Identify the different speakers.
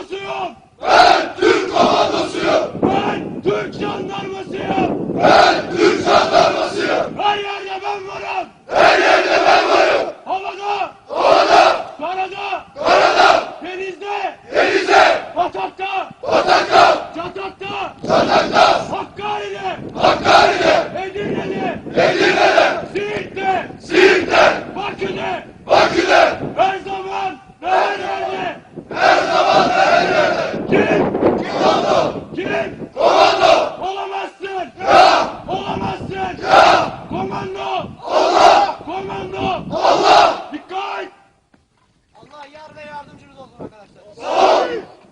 Speaker 1: komandosuyum.
Speaker 2: Ben Türk komandosuyum.
Speaker 1: Ben Türk jandarmasıyım.
Speaker 2: Ben Türk jandarmasıyım.
Speaker 1: Her yerde ben varım.
Speaker 2: Her yerde ben varım.
Speaker 1: Havada,
Speaker 2: Havada,
Speaker 1: karada,
Speaker 2: karada,
Speaker 1: denizde,
Speaker 2: denizde,
Speaker 1: batakta,
Speaker 2: batakta,
Speaker 1: çatakta,
Speaker 2: çatakta,
Speaker 1: Hakkari'de,
Speaker 2: Hakkari'de,
Speaker 1: Edirne'de,
Speaker 2: Edirne'de,
Speaker 1: Siirt'te,
Speaker 2: Siirt'te,
Speaker 1: Bakü'de,
Speaker 2: Bakü'de,
Speaker 1: her zaman ve her yerde.
Speaker 2: her zaman ve her yerde.
Speaker 1: Kim?
Speaker 2: Komando,
Speaker 1: Kim?
Speaker 2: komando,
Speaker 1: Olamazsın.
Speaker 2: ya,
Speaker 1: Olamazsın.
Speaker 2: ya,
Speaker 1: Komando.
Speaker 2: Allah,
Speaker 1: Komando.
Speaker 2: Allah.
Speaker 1: Dikkat.
Speaker 3: Allah yar ve yardımcınız olsun arkadaşlar.
Speaker 2: Sağ ol.